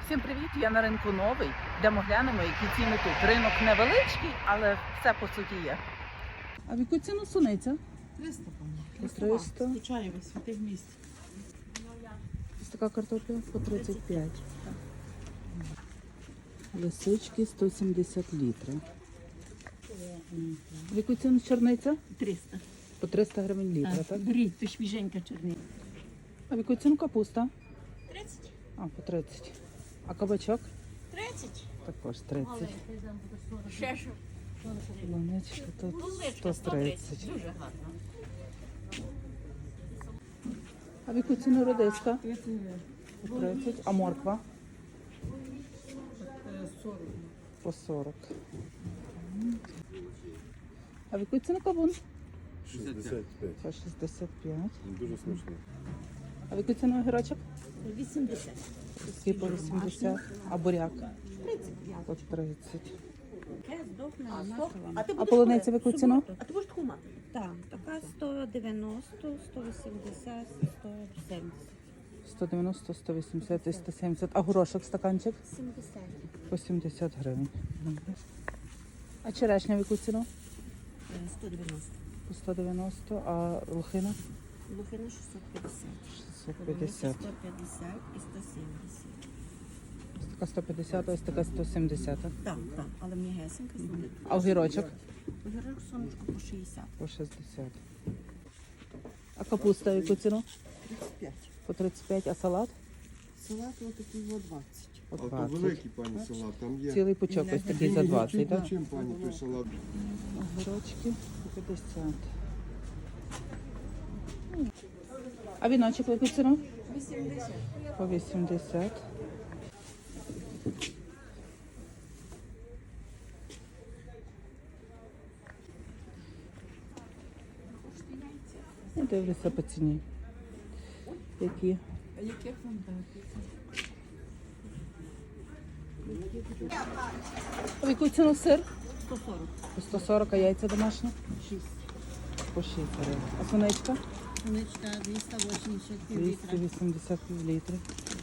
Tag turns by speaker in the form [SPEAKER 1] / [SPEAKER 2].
[SPEAKER 1] Всім привіт! Я на ринку новий. Йдемо глянемо, які ціни тут. Ринок невеличкий, але все по суті є. А в яку ціну суниця?
[SPEAKER 2] 300, по
[SPEAKER 1] 300.
[SPEAKER 2] Звичайно, святих місць.
[SPEAKER 1] Ось така картопля по 35. Лисички 170 літрів. В яку ціну чорниця?
[SPEAKER 2] 300.
[SPEAKER 1] По 300 гривень літра, так?
[SPEAKER 2] Беріть, то свіженька чорний.
[SPEAKER 1] А в яку ціну капуста?
[SPEAKER 2] 30.
[SPEAKER 1] А, по 30. А кабачок?
[SPEAKER 2] 30.
[SPEAKER 1] Також 30.
[SPEAKER 2] Ще що?
[SPEAKER 1] Полуничка тут
[SPEAKER 2] Полуничка
[SPEAKER 1] 130.
[SPEAKER 2] Дуже гарно.
[SPEAKER 1] А в яку ціну редиска? По 30. А морква?
[SPEAKER 2] 40.
[SPEAKER 1] По 40. А в яку ціну кавун?
[SPEAKER 3] 65.
[SPEAKER 1] По 65.
[SPEAKER 3] Дуже смачно.
[SPEAKER 1] А в яку ціну огірочок?
[SPEAKER 2] 80.
[SPEAKER 1] Всі по 80. А буряк? По 30. А полуниця в яку ціну?
[SPEAKER 2] А ти будеш таку мати?
[SPEAKER 4] Так, така 190, 180, 170.
[SPEAKER 1] 190, 180 і 170. А горошок стаканчик?
[SPEAKER 4] 70.
[SPEAKER 1] По 70 гривень. А черешня в яку ціну?
[SPEAKER 4] 190.
[SPEAKER 1] По 190. А лохина?
[SPEAKER 4] Лухина 650.
[SPEAKER 1] 650.
[SPEAKER 4] 150 і 170.
[SPEAKER 1] Ось така 150, ось така 170.
[SPEAKER 4] Так, так, але мені гесенька знає.
[SPEAKER 1] А огірочок?
[SPEAKER 4] Огірок сонечко по 60.
[SPEAKER 1] По 60. А капуста в яку ціну?
[SPEAKER 4] 35.
[SPEAKER 1] По 35. А салат?
[SPEAKER 4] Салат отакий 20.
[SPEAKER 1] По
[SPEAKER 3] А то
[SPEAKER 1] 20.
[SPEAKER 3] великий, пані, салат, там є.
[SPEAKER 1] Цілий пучок ось такий за 20, так?
[SPEAKER 3] Чим, пані, той салат?
[SPEAKER 1] Огірочки по 50. А віночок в яку ціну?
[SPEAKER 4] 80.
[SPEAKER 1] По 80. Я дивлюся по ціні. Які?
[SPEAKER 2] А яких вам дати?
[SPEAKER 1] А в яку ціну сир?
[SPEAKER 4] 140.
[SPEAKER 1] По 140, а яйця домашні?
[SPEAKER 4] 6.
[SPEAKER 1] По 6 гривень. А сонечка?
[SPEAKER 4] Сонечка 280 пів літра.
[SPEAKER 1] 280 літрів.